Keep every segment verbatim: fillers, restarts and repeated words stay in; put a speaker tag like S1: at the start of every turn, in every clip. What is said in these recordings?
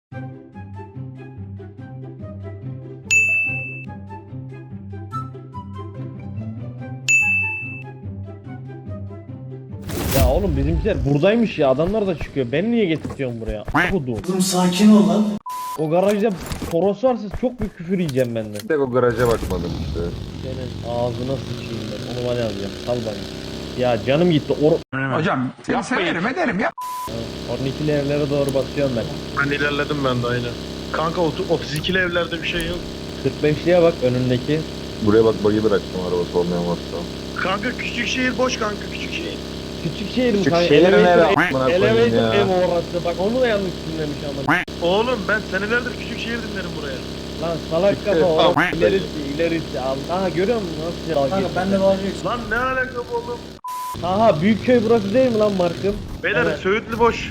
S1: Ya oğlum bizimkiler buradaymış ya, adamlar da çıkıyor. Beni niye getirtiyorsun buraya? Kudum.
S2: Dur sakin ol lan.
S1: O garajda Toros varsa çok büyük küfür yiyeceğim benden.
S3: Bir tek o garaja bakmadım işte.
S1: Senin ağzına sıçayım ben. Onu bana yazacağım. Sal bana. Ya canım gitti. Or
S4: Hocam ya severim ederim ya.
S1: on ikili evlere doğru basıyorum ben.
S5: Ben ilerledim ben de aynen. Kanka otuz ikili evlerde bir şey yok.
S1: kırk beşliye bak önündeki.
S3: Buraya bak bug'i bıraktım arabası olmayan varsa.
S5: Kanka küçük şehir boş kanka küçük şehir.
S1: Küçük şehir mi?
S3: Küçük
S1: kanka?
S3: şehir
S1: Elevator
S3: nere?
S1: ev-
S3: Amına koyayım
S1: Elevator
S3: ya.
S1: ev orası. Bak onu da yanlış dinlemiş ama.
S5: Oğlum ben senelerdir küçük şehir dinlerim buraya.
S1: Lan salak kafa
S3: Tamam.
S1: orası. İlerisi ilerisi. Al- Aha görüyor musun nasıl ya?
S2: Kanka ben de vazgeçtim.
S5: Lan ne alaka bu oğlum?
S1: Aha Büyükköy burası değil mi lan Markım?
S5: Beyler
S1: Evet.
S5: Söğütlü boş.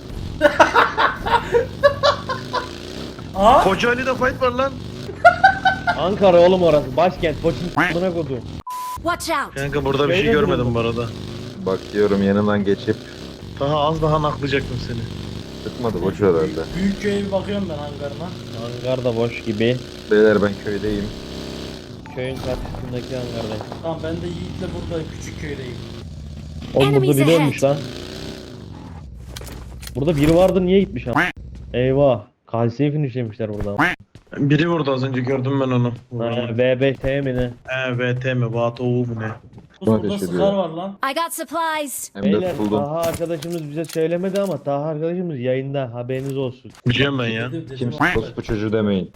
S2: Aa.
S5: Kocaeli'de fight var lan.
S1: Ankara oğlum orası. Başkent. Koçun buna kodum.
S6: Watch out!
S5: Kanka burada bir şey
S1: Beyler
S5: görmedim
S1: durun.
S5: bu arada.
S3: Bak diyorum yanından geçip
S5: Daha az daha naklayacaktım seni.
S3: çıkmadı boş herhalde.
S2: Büyük köye bir bakıyorum ben hangarına.
S1: Hangar da boş gibi.
S3: Beyler ben köydeyim.
S1: Köyün karşısındaki hangardayım.
S2: Tamam ben de Yiğit'le buradayım. Küçük köydeyim.
S1: Oğlum burada
S6: Enemies
S1: biri
S6: ahead.
S1: ölmüş lan. Burada biri vardı niye gitmiş ama? Eyvah. Kalsiye finishlemişler burada.
S5: Biri vurdu az önce gördüm ben onu.
S1: Ha, B B T mi ne?
S5: E, V T mi? Vato mu ne?
S2: Bu burada
S3: ateş
S2: sıkar
S3: ediyor.
S2: var lan.
S6: I got supplies!
S3: Hem de
S1: Beyler
S3: tutuldum.
S1: Taha arkadaşımız bize söylemedi ama Taha arkadaşımız yayında, haberiniz olsun.
S5: Biliyorum ben ya.
S2: Dedim, dedim,
S3: Kimse
S2: bak.
S3: bu çocuğu demeyin.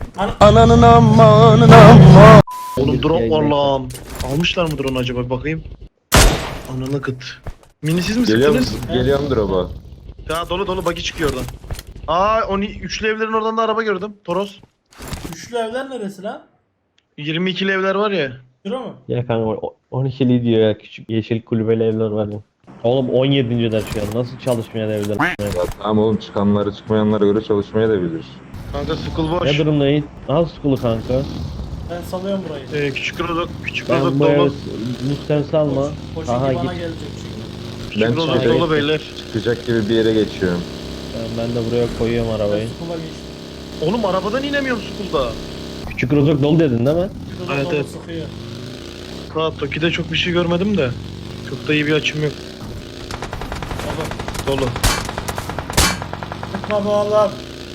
S5: Oğlum drone var
S1: Yayında.
S5: lan. Almışlar mı drone acaba bir bakayım. Ananı kıt. Mini siz mi
S3: Geliyor
S5: sıktınız?
S3: Geliyorum drop'a.
S5: Ya dolu dolu bagi çıkıyor oradan. Aa on üçlü evlerin oradan da araba gördüm. Toros.
S2: Üçlü evler neresi lan?
S5: yirmi ikili evler var ya.
S2: Şura mı?
S1: Ya kanka o- on ikili diyor ya, küçük yeşil kulübeli evler var ya. Oğlum on yedinci ders şu an, nasıl çalışmaya da evler?
S3: Ya tamam oğlum çıkanları çıkmayanlara göre çalışmaya da bilir.
S5: Kanka school boş.
S1: Ne durumdayız? Al skulu kanka.
S2: Ben salıyorum burayı.
S5: Ee, küçük rozok, küçük
S1: Ben
S5: rozok
S1: bu evi
S5: dolu.
S1: lütfen salma.
S2: Koşun
S1: Aha
S2: ki bana
S1: git.
S2: gelecek şimdi.
S5: Küçük
S3: Ben
S5: rozok
S3: çıkacak-
S5: dolu beyler.
S3: Çıkacak gibi bir yere geçiyorum.
S1: Ben, ben de buraya koyuyorum arabayı.
S2: Ben sukula geçtim.
S5: Oğlum arabadan inemiyorum school'da.
S1: Küçük rozok dolu dedin değil mi?
S2: Şurada
S5: Evet,
S2: dolu
S5: evet.
S2: sıkıyor.
S5: Ha Toki'de çok bir şey görmedim de. Çok da iyi bir açım yok.
S2: Baba.
S5: Dolu.
S2: Sıkma bu Allah.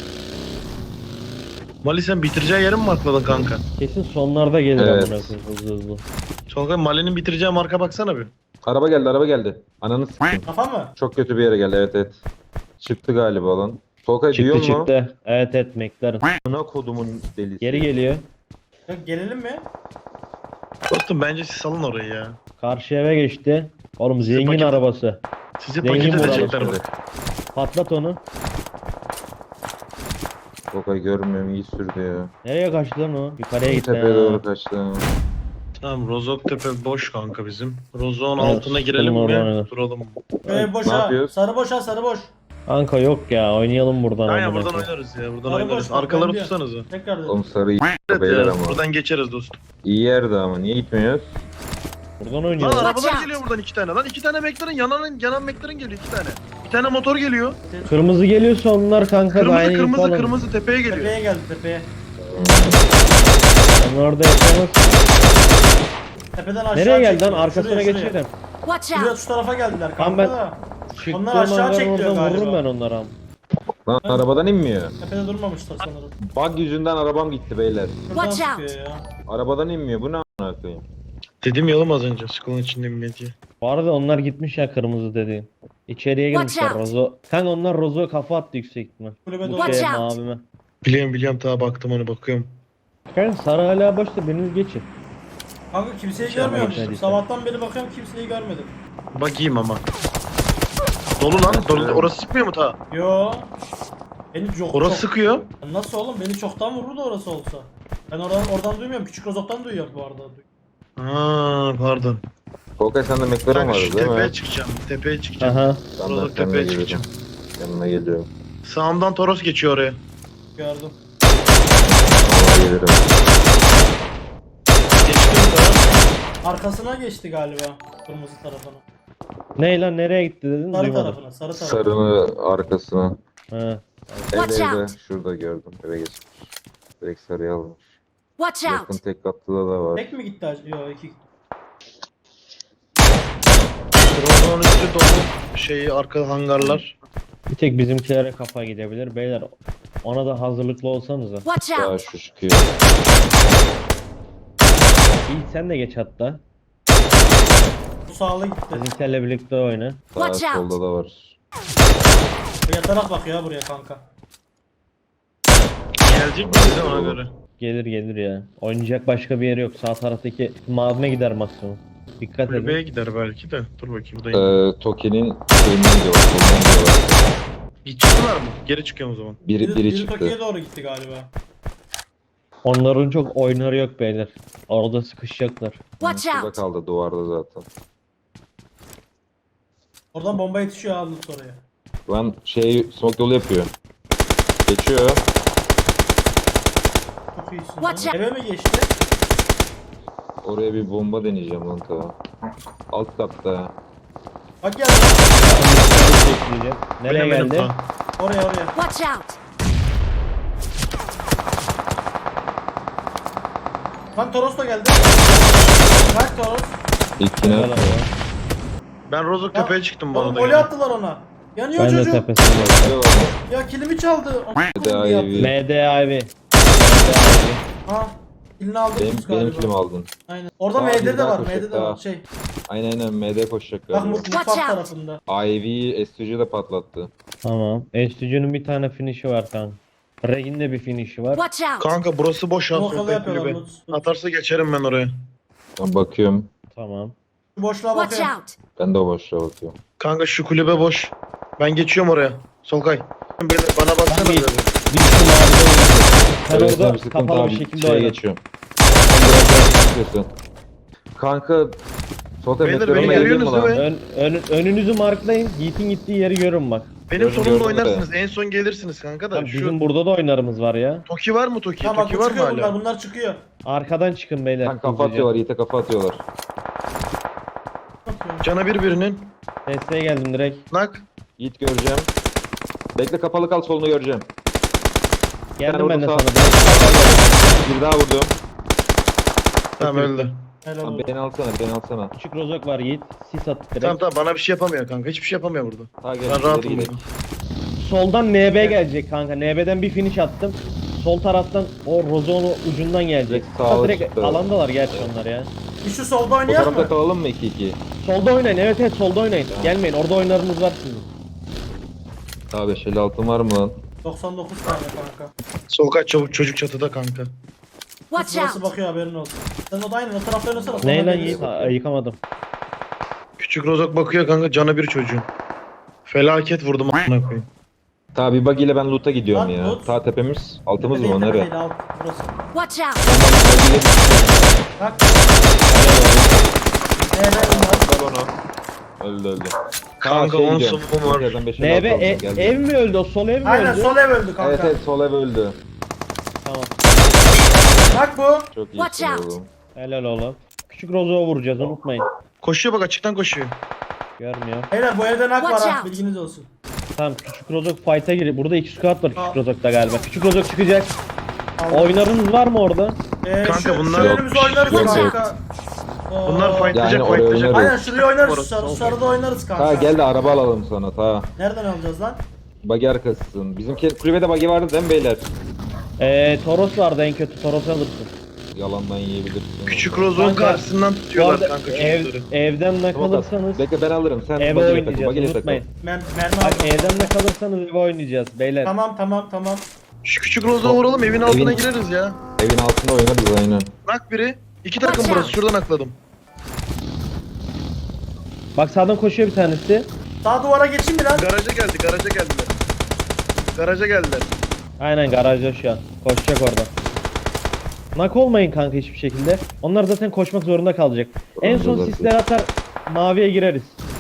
S5: Mali sen bitireceği yeri mi markladın kanka?
S1: Kesin sonlarda gelir
S3: Evet.
S1: amına koyayım hızlı hızlı.
S5: Solkay Mali'nin bitireceği marka baksana bir.
S3: Araba geldi araba geldi. Ananı s**eyim.
S2: Kafa mı?
S3: Çok kötü bir yere geldi evet evet. Çıktı galiba lan. Solkay duyuyor
S1: Çıktı
S3: mu?
S1: çıktı. Evet evet McLaren.
S3: Ana kodumun delisi.
S1: Geri geliyor.
S2: Ya gelelim mi?
S5: Dostum bence siz salın orayı ya.
S1: Karşı eve geçti. Oğlum zengin
S5: paket-
S1: arabası.
S5: Sizi
S1: Zengin
S5: paket
S1: bu
S5: edecekler
S3: araba.
S5: bak.
S1: Patlat onu.
S3: Solkay görmüyorum iyi sürdü ya.
S1: Nereye kaçtı lan o? Yukarıya gitti.
S3: Tepeye
S1: ha.
S3: doğru kaçtı.
S5: Tamam Rozok Tepe boş kanka bizim. Rozok'un
S1: Evet,
S5: altına girelim
S1: sıkılma
S5: mi?
S1: oradan.
S5: Duralım.
S2: Ee,
S3: Ne
S2: boşa.
S3: yapıyoruz?
S2: Sarı boşa sarı boş.
S1: Kanka yok ya, oynayalım buradan.
S5: Aynen
S1: amına
S5: buradan
S1: koyayım.
S5: oynarız ya. Buradan
S2: Sarı
S5: oynarız.
S2: boş,
S5: Arkaları
S2: ben diyorum.
S5: tutsanıza.
S2: Tekrar dedim.
S3: Oğlum sarı iyi
S5: Evet
S3: beyler
S5: ya,
S3: ama.
S5: buradan geçeriz dostum.
S3: İyi yerde ama niye gitmiyoruz?
S1: Buradan
S5: Lan
S1: oynuyoruz.
S6: Watch
S5: arabalar
S6: out.
S5: geliyor buradan iki tane. Lan iki tane McLaren yanan yanan McLaren geliyor iki tane. Bir tane motor geliyor.
S1: Kırmızı geliyorsa onlar kanka da
S5: Kırmızı
S1: aynı
S5: kırmızı
S1: info alın.
S5: kırmızı tepeye geliyor.
S2: Tepeye geldi tepeye.
S1: Onlar orada yapamaz.
S2: Tepeden aşağı
S1: Nereye geldi lan?
S2: çekiyor.
S1: Arkasına
S2: Şuraya, şuraya.
S1: geçerim.
S6: Watch
S2: Şuraya
S6: out!
S2: şu tarafa geldiler
S1: Tamam,
S2: kanka
S1: ben-
S2: da.
S1: Çıktığım
S2: Onlar aşağı
S1: hangarın
S2: çekiliyor
S1: oradan vururum
S2: galiba.
S1: ben onlara.
S3: Lan arabadan inmiyor.
S2: Tepede durmamışlar sanırım.
S3: Bug yüzünden arabam gitti beyler.
S2: Şuradan
S6: Watch
S2: sıkıyor ya.
S3: Arabadan inmiyor bu ne a**ına koyayım.
S5: Dedim ya oğlum az önce. Sıkılın içinde millet diye.
S1: Bu arada onlar gitmiş ya kırmızı dediğin. İçeriye
S6: Watch
S1: girmişler
S6: out.
S1: Rozo. Kanka onlar Rozo'ya kafa attı yüksek ihtimal.
S2: Kulübe
S1: Bu
S2: doğru.
S6: Watch
S1: şeye
S6: out.
S1: mavime.
S5: Biliyorum biliyorum daha baktım onu bakıyorum.
S1: Kanka sarı hala başta biriniz geçin.
S2: Kanka kimseyi
S1: Şey
S2: görmüyorum.
S1: yapmayın,
S2: Sabahtan beri bakıyorum kimseyi görmedim.
S5: Bakayım ama. Dolu lan. Dolu. Orası sıkmıyor mu ta?
S2: Yo. Beni çok
S5: Orası
S2: çok...
S5: sıkıyor.
S2: Nasıl oğlum? Beni çoktan vururdu orası olsa. Ben oradan oradan duymuyorum. Küçük Rozok'tan duyuyorum bu arada.
S5: Aa pardon.
S3: Solkay sende McLaren
S5: Kanka
S3: vardı
S5: şu
S3: değil
S5: tepeye
S3: mi?
S5: çıkacağım. Tepeye çıkacağım.
S1: Aha.
S3: Ben de
S5: Rozok
S3: seninle
S5: tepeye
S3: geliyorum.
S5: çıkacağım.
S3: Yanına geliyorum.
S5: Sağımdan Toros geçiyor oraya.
S2: Gördüm.
S3: Yanına gelirim.
S5: Geçtim daha.
S2: Arkasına geçti galiba. Kırmızı tarafına.
S1: Ne lan nereye gitti dedin?
S2: Sarı
S1: Duymadım.
S2: tarafına. Sarı tarafına.
S3: Sarını arkasına.
S1: Ha.
S6: Watch
S3: Evde evde.
S6: out.
S3: Şurada gördüm. Eve geçmiş. Direkt sarıya almış.
S6: Watch
S3: Yakın
S6: out!
S3: tek katlıda da var.
S2: Tek mi gitti acaba? Yok iki.
S5: Trabzon'un üstü dolu. Şeyi arka hangarlar.
S1: Bir tek bizimkilere kafa gidebilir. Beyler ona da hazırlıklı olsanıza.
S6: Watch
S3: Daha
S6: out!
S3: şu çıkıyor.
S1: İyi sen de geç hatta.
S2: Bu sağlı gitti.
S1: Bizimkilerle birlikte oyna.
S3: Daha
S6: Watch out.
S3: solda da var.
S2: Yatarak bakıyor ya buraya kanka.
S5: Gelecek mi bize ona göre?
S1: Gelir gelir ya. Oynayacak başka bir yeri yok. Sağ taraftaki mavine gider maksimum. Dikkat
S5: Kulübeye
S1: edin.
S5: gider belki de. Dur bakayım buradayım.
S3: Ee, Toki'nin şeyinden diyor. Solundan diyorlar.
S5: Git çıktılar mı? Geri çıkıyorum o zaman.
S3: Biri,
S2: Biri,
S3: biri
S2: biri
S3: çıktı.
S2: Tokyo'ya doğru gitti galiba.
S1: Onların çok oynarı yok beyler. Orada sıkışacaklar.
S6: Watch
S3: Şurada
S6: out!
S3: kaldı duvarda zaten.
S2: Oradan bomba yetişiyor aldım oraya.
S3: Lan şey smoke yolu yapıyor. Geçiyor.
S2: Çok iyisin.
S6: Watch
S2: lan.
S6: out.
S2: Eve mi geçti?
S3: Oraya bir bomba deneyeceğim lan ta. Alt katta.
S2: Bak geldi.
S1: Bekleyeceğim. Nereye
S5: Bilemedim
S1: geldi?
S5: ta.
S2: Oraya oraya.
S6: Watch out!
S2: Lan Toros da geldi. Bak Toros.
S3: İlkine
S1: Helal olsun.
S5: Ben Rozok
S2: Ya,
S5: tepeye çıktım bu
S2: Oğlum
S5: arada.
S2: golü
S5: yine.
S2: attılar ona. Yanıyor
S1: Ben de
S2: çocuk.
S1: tepesinde.
S2: Ya kilimi çaldı.
S3: Bir de
S2: Onu
S3: I V.
S1: M D I V.
S2: Ha. Kilini aldın
S3: Benim,
S2: biz
S3: benim
S2: galiba.
S3: kilim aldın.
S2: Aynen. Orada
S3: Aa,
S2: M D
S3: bir
S2: de
S3: daha
S2: var.
S3: koşacak,
S2: M D de var.
S3: daha.
S2: Şey.
S3: Aynen aynen M D koşacak
S2: Bak
S3: galiba.
S2: mut-
S6: Watch
S2: mutfak
S6: out.
S2: tarafında.
S3: I V S G de patlattı.
S1: Tamam. Estüdyo'nun bir tane finish'i var kanka. Reg'in de bir finish'i var.
S6: Watch out!
S5: Kanka burası boş ha.
S2: Smoke yolu
S5: Sohbet
S2: yapıyorlar.
S5: kulübe.
S2: Lut. Lut.
S5: Atarsa geçerim ben oraya.
S3: Ben bakıyorum.
S1: Tamam.
S2: Şu boşluğa
S6: Watch
S2: bakıyorum.
S6: out!
S3: Ben de o boşluğa bakıyorum.
S5: Kanka şu kulübe boş. Ben geçiyorum oraya. Solkay. Beni- Bana baksana
S1: Ben bir-
S5: biraz.
S1: Bir sürü mavi oynuyor. Sen
S3: Evet,
S1: orada
S3: tabii, sıkıntı
S1: kapalı
S3: abi,
S1: bir şekilde
S3: şeye
S1: oyna.
S3: geçiyorum. Sen biraz daha çıkıyorsun. Kanka Solkay
S5: Beyler,
S3: meteoruma
S5: beni
S3: geldin mi
S5: görüyorsunuz
S3: lan?
S5: değil mi?
S1: Ön, ön- önünüzü marklayın. Yiğit'in gittiği yeri görün bak.
S5: Benim
S3: Gördüm,
S5: sonumda
S3: gördüm de.
S5: oynarsınız. En son gelirsiniz kanka da.
S1: Tamam,
S5: Şu
S1: bizim burada da oynarımız var ya.
S5: Toki var mı Toki?
S2: Tamam bak
S5: Toki
S2: bu
S5: var mı
S2: çıkıyor bunlar.
S5: hala?
S2: Bunlar çıkıyor.
S1: Arkadan çıkın beyler.
S3: Kanka kafa
S1: hızlıca.
S3: atıyorlar, Yiğit'e kafa atıyorlar.
S5: Cana bir birinin.
S1: Desteğe geldim direkt.
S5: Nak.
S3: Yiğit göreceğim. Bekle kapalı kal, solunu göreceğim.
S1: Geldim ben de
S3: orada
S1: sana.
S3: Bir daha vurdum.
S5: Tamam öldü.
S2: Helal
S3: Tamam,
S2: olsun.
S3: beni alsana, beni alsana.
S1: Küçük rozok var Yiğit. Sis at direkt.
S5: Tamam tamam bana bir şey yapamıyor kanka. Hiçbir şey yapamıyor burada.
S3: Ta gel,
S5: Ben
S3: ileri
S5: rahatım
S3: gidelim.
S5: burada.
S1: Soldan N B gelecek kanka. N B'den bir finish attım. Sol taraftan o rozonu ucundan gelecek.
S3: Direkt sağa
S1: Ha, direkt
S3: çıktı.
S1: alandalar gerçi onlar ya.
S2: Bir şu solda
S3: Bu
S2: oynayak
S3: tarafta
S2: mı?
S3: kalalım mı iki iki?
S1: Solda oynayın. Evet evet solda oynayın. Gelmeyin. Orada oynarınız var sizin.
S3: Daha beş elli altın var mı lan?
S2: doksan dokuz tane kanka.
S5: Solkay çabuk çocuk çatıda kanka.
S6: Watch
S2: Burası
S6: out!
S2: bakıyor haberin olsun. Sen o da aynen o tarafta oynasana.
S1: Ne
S2: sonra
S1: lan
S2: geliriz.
S1: Yiğit? Ha, yıkamadım.
S5: Küçük Rozok bakıyor kanka cana bir çocuğun. Felaket vurdum a**ına koyayım.
S3: Ta bir bug ile ben loot'a gidiyorum
S2: Lan,
S3: ya.
S2: loot.
S3: Ta tepemiz. Altımız
S2: Tepe
S3: mı?
S2: değil, tepe
S3: Nere?
S2: değil, alt. Burası.
S6: Watch out!
S2: Bak. Eee bunlar.
S3: Ver onu. Öldü öldü.
S5: Kanka
S3: şey
S5: on
S3: gidiyorum.
S5: sumum var.
S3: Tekrardan beş elli
S1: N
S3: altı
S1: B
S3: aldım,
S1: e-
S3: geldim.
S1: ev mi öldü? O sol ev mi
S2: Aynen
S1: öldü?
S2: sol ev öldü kanka.
S3: Evet evet sol ev öldü.
S1: Tamam.
S2: Bak bu.
S3: Çok
S6: Watch
S3: iyisin
S6: out.
S3: oğlum.
S1: Helal oğlum. Küçük rozoğu vuracağız unutmayın.
S5: Koşuyor bak açıktan koşuyor.
S1: Görmüyor.
S2: Beyler bu evde nak var
S6: Watch
S2: ha
S6: out.
S2: bilginiz olsun.
S1: Tamam küçük rozok fight'a giriyor. Burada iki squad var
S2: Aa.
S1: küçük rozokta galiba. Küçük rozok çıkacak.
S2: Aldım.
S1: Oynarınız var mı orada?
S2: Ee,
S5: Kanka
S2: şu,
S5: bunlar-
S2: şu önümüzde oynarız
S3: Yok,
S2: kanka. Oo.
S5: Bunlar fightlayacak
S3: Yani oraya
S5: fightlayacak.
S3: oynarız.
S2: Aynen şuraya oynarız.
S5: Orası
S2: Sarı,
S5: sol
S2: sarıda oynarız kanka.
S3: Ta gel de araba alalım sana ta.
S2: Nereden alacağız lan?
S3: Bagi arkasısın. Bizimki kulübede bagi vardı değil mi beyler?
S1: Ee, Toros vardı en kötü. Toros alırsın.
S3: Yalandan yiyebilirsin.
S5: Küçük Rozok'un
S1: Kanka,
S5: karşısından
S1: Bu
S5: tutuyorlar
S1: arada
S5: kanka
S1: ev,
S5: çocukları.
S1: evden ne
S3: Tamam,
S1: kalırsanız
S3: Bekle ben alırım. Sen
S1: eve
S3: bagiyle takıl.
S1: oynayacağız
S3: Bagiyle takıl.
S1: unutmayın.
S2: Mer mermi
S1: Bak
S2: aldım.
S1: evden ne kalırsanız eve oynayacağız beyler.
S2: Tamam tamam tamam.
S5: Şu küçük Rozok'a vuralım evin altına
S3: Evin-
S5: gireriz ya.
S3: Evin altında oynarız aynen.
S5: Nak biri. İki takım
S6: Watch
S5: burası
S6: out.
S5: şuradan akladım.
S1: Bak sağdan koşuyor bir tanesi.
S2: Sağ duvara geçeyim mi lan?
S5: Garaja geldi garaja geldiler. Garaja geldiler.
S1: Aynen garajda şu an. Koşacak orada. Nak olmayın kanka hiçbir şekilde. Onlar zaten koşmak zorunda kalacak. En son
S3: Zaten.
S1: sisler atar maviye gireriz.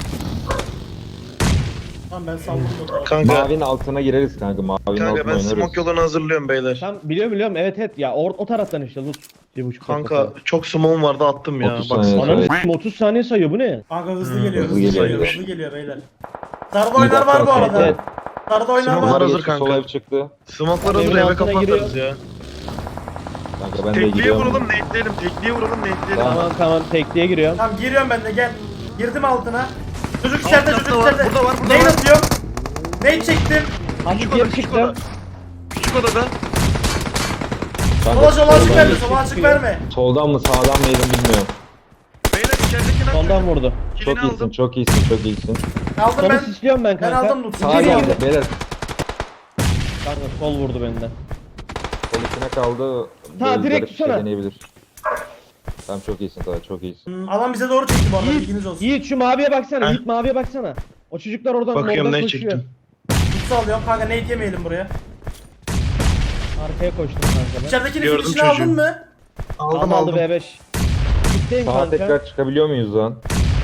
S2: Tamam ben salladım o tarafa.
S5: Kanka,
S3: Mavinin altına gireriz kanka. Mavinin
S5: kanka
S3: altına
S5: ben
S3: oynarız.
S5: smoke yolunu hazırlıyorum beyler.
S1: Tam biliyorum biliyorum evet evet ya or, o taraftan işte Lut. Bir buçuk
S5: Kanka
S1: dakika.
S5: çok smoke'um vardı attım ya.
S3: otuz
S5: Bak
S3: saniye.
S1: Ananı
S3: Evet.
S1: s**eyim, otuz saniye sayıyor bu ne?
S2: Kanka hızlı geliyor
S3: hızlı
S2: hızlı,
S3: geliyor.
S2: geliyor hızlı geliyor beyler. Sarı oynar var bu
S3: dakika,
S2: arada.
S1: Evet.
S2: Sarıda oynar
S5: Smoke
S2: var.
S5: var.
S3: Bunlar
S5: hazır
S3: geçti,
S5: kanka.
S3: sol ev çıktı.
S5: Smoke'lar hazır
S1: Evin
S5: eve
S1: altına
S5: kafa
S1: giriyor.
S5: atarız ya.
S3: Kanka ben de
S5: Tekliğe
S3: gidiyorum.
S5: vuralım nate'leyelim. Tekliğe vuralım nate'leyelim.
S1: Tamam tamam tekliğe giriyorum.
S2: Tamam giriyorum ben de gel. Girdim altına. Çocuk içeride,
S5: Alt
S2: çocuk
S5: katta var,
S2: içeride.
S5: burada var, burada
S2: Neyi
S5: var.
S2: atıyorum? Neyi çektim?
S1: Hadi
S5: Küçük
S1: geri
S5: oda, küçük
S1: çıktım.
S5: oda. Küçük odada.
S3: Kanka,
S2: Sola sola açık
S3: soldan
S2: verme,
S3: geçti.
S2: sola açık verme.
S3: Soldan mı sağdan mı yedim bilmiyorum.
S5: Beyler içerideki
S1: Soldan vurdu.
S3: Çok
S5: Kilini
S3: iyisin,
S5: aldım.
S3: çok iyisin, çok iyisin.
S2: Aldım
S1: Solu
S2: ben.
S1: sisliyorum ben
S2: Ben
S1: kanka.
S2: aldım loot'u.
S3: Sağa
S2: Geri
S3: geldi
S2: aldım.
S3: beyler.
S1: Kanka sol vurdu benden.
S3: Sol içine kaldı.
S1: Ta,
S3: Böyle
S1: direkt
S3: garip bir şey
S1: tutsana.
S3: deneyebilir. Tamam çok iyisin daha çok iyisin.
S2: Hmm, Alan bize doğru çekti bu arada,
S1: Yiğit,
S2: bilginiz olsun.
S1: Yiğit şu maviye baksana.
S5: Heh.
S1: Yiğit maviye baksana. O çocuklar oradan
S5: Bakıyorum
S1: oradan
S5: ne
S1: koşuyor.
S5: çektim.
S2: Tutsa alıyorum kanka, nade yemeyelim buraya.
S1: Arkaya koştum kanka ben.
S2: İçeridekini
S5: Gördüm
S2: finishini
S5: çocuğu.
S2: aldın mı?
S5: Aldım
S1: Aldı
S5: aldım.
S1: B beş. Gitteyim
S3: Sağa
S1: kanka.
S3: tekrar çıkabiliyor muyuz lan?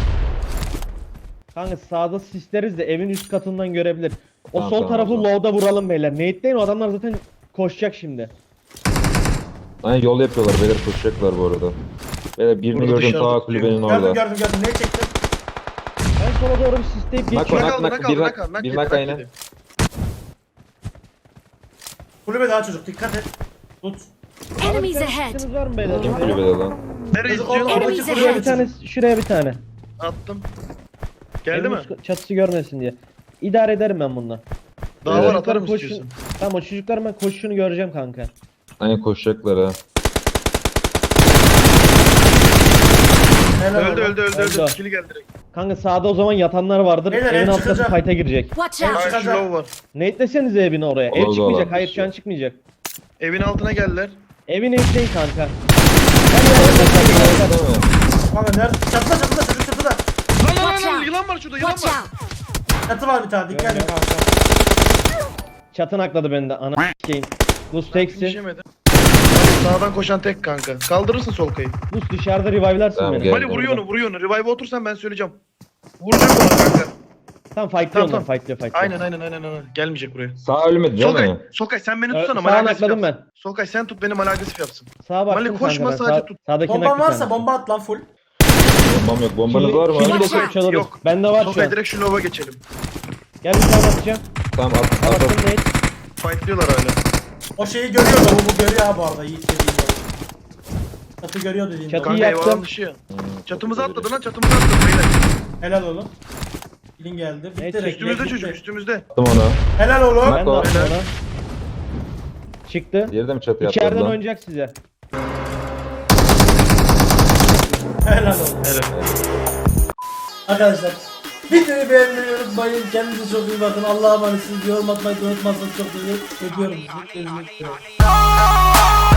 S1: Kanka sağda sisleriz de evin üst katından görebilir. O
S3: Tamam,
S1: sol
S3: tamam,
S1: tarafı
S3: tamam.
S1: low'da vuralım beyler. Nate'deyin, o adamlar zaten koşacak şimdi.
S3: Aynen yol yapıyorlar beyler koşacaklar bu arada. Beyler birini
S5: Burada
S3: gördüm
S5: dışarıda
S3: ta
S5: tutuyor.
S3: kulübenin
S2: Gördüm
S3: orada.
S2: gördüm gördüm, neyi çektim?
S1: Ben sola doğru bir sisleyip
S3: Bak,
S1: geçiyorum.
S3: bak.
S5: Nak aldı nak
S3: bir
S5: aldı
S3: nak-
S5: nak aldı. Nak
S3: bir
S5: yedi,
S3: nak
S5: nak
S3: aynen.
S5: yedi.
S2: Kulübe daha çocuk, dikkat et. Tut.
S6: Enemies ahead!
S1: Sisliniz var mı beyler?
S3: Kim kulübede lan?
S5: Nereye
S2: Çocuk orada,
S5: istiyorsun?
S2: oradaki
S6: Enemies
S1: Şuraya
S2: kulübe
S1: bir tane, şuraya bir tane.
S5: Attım. Geldi
S1: Evin
S5: mi?
S1: üst çatısı görmesin diye. İdare ederim ben bununla.
S5: Daha
S3: Evet.
S5: var atarım
S1: Koşun-
S5: istiyorsun.
S1: Tamam o çocukların ben koşuşunu göreceğim kanka.
S3: Aynen koşacaklar ha.
S2: Helal
S5: Öldü
S2: olsun.
S5: öldü öldü
S1: Öldü.
S5: öldü. Kili geldi direkt.
S1: Kanka sağda o zaman yatanlar vardır.
S2: Beyler,
S1: Evin
S2: ev
S1: altına
S2: çıkacak.
S1: fight'a girecek.
S6: Watch
S2: Evet.
S6: out!
S5: Karşı
S2: Çıkacak.
S5: low var.
S1: Nate'lesenize evini oraya. Ev
S3: Olur da
S1: çıkmayacak.
S3: olur.
S1: Hayır şu an çıkmayacak.
S5: Evin altına geldiler.
S1: Evin nate'leyin kanka.
S3: Değil mi?
S2: Kanka nerede? Çatıda çatıda, çocuk çatıda.
S5: Lan lan
S6: Watch
S5: lan lan
S6: out.
S5: yılan var şurada yılan
S6: Watch
S5: var.
S6: out!
S2: Çatı var bir tane, dikkat edin kanka.
S1: Çatın akladı beni de. Ana s**eyim. Luz teksin.
S5: Yetişemedi. Sağdan koşan tek kanka. Kaldırırsın sol kayı.
S1: Luz dışarıda revive'larsın
S3: Tamam,
S1: beni.
S3: gel.
S5: Mali vuruyor onu vuruyor onu. Revive'a otursan ben söyleyeceğim. Vuracak ona kanka.
S1: Tamam fightlıyor
S5: Tamam,
S1: onlar.
S5: tamam.
S1: Fightlıyor fightlıyor.
S5: Aynen aynen aynen aynen. Gelmeyecek buraya.
S3: Sağ ölmedi değil
S5: Solkay,
S3: mi?
S5: Solkay sen beni
S1: Ö-
S5: tutsana.
S1: sağa
S5: Mali agresif
S1: nakladım
S5: yapsın.
S1: ben.
S5: Solkay sen tut beni, Mali agresif yapsın.
S1: Sağa baktım
S5: Mali koşma,
S1: kanka ben.
S5: sadece
S1: Sağ,
S5: tut.
S1: sağdaki
S2: Bomban
S1: nakli
S2: varsa
S1: sen.
S2: bomba at lan full.
S3: Bombam yok. Bombanız var mı?
S1: Kili
S6: Watch
S1: de
S6: out.
S1: çalarız.
S5: Yok.
S1: Bende var şu
S5: Solkay
S1: an.
S5: direkt şu lova geçelim.
S1: Gel bir tane atacağım.
S3: Tamam at at
S1: Attım
S3: at.
S1: Nate.
S5: Fightlıyorlar hala.
S2: O şeyi görüyor da bu, bu görüyor ha bu arada, Yiğit dediğin gibi. Çatı görüyor dediğin
S1: Çatı-
S2: gibi.
S5: Kanka
S1: yaptım.
S5: eyvallah dışı ya.
S3: Hmm,
S5: Çatımıza
S3: çok
S5: atladı lan, çatımıza atladı beyler.
S2: Helal oğlum. Bilin geldi. Bitti
S1: Evet,
S2: direkt.
S5: Üstümüzde
S2: bitti.
S5: çocuk üstümüzde.
S3: Attım onu.
S2: Helal oğlum.
S1: Ben de
S3: Bak o.
S1: attım ona. Çıktı.
S3: Diğeri de mi çatıya atladı
S1: İçeriden
S3: lan?
S1: oynayacak size.
S2: Helal oğlum.
S5: Helal.
S2: Arkadaşlar videoyu beğenmeyi unutmayın. Kendinize çok iyi bakın. Allah'a emanetsiniz. Yorum atmayı da unutmazsanız çok sevinirim. Öpüyorum sizi. Görüşmek üzere.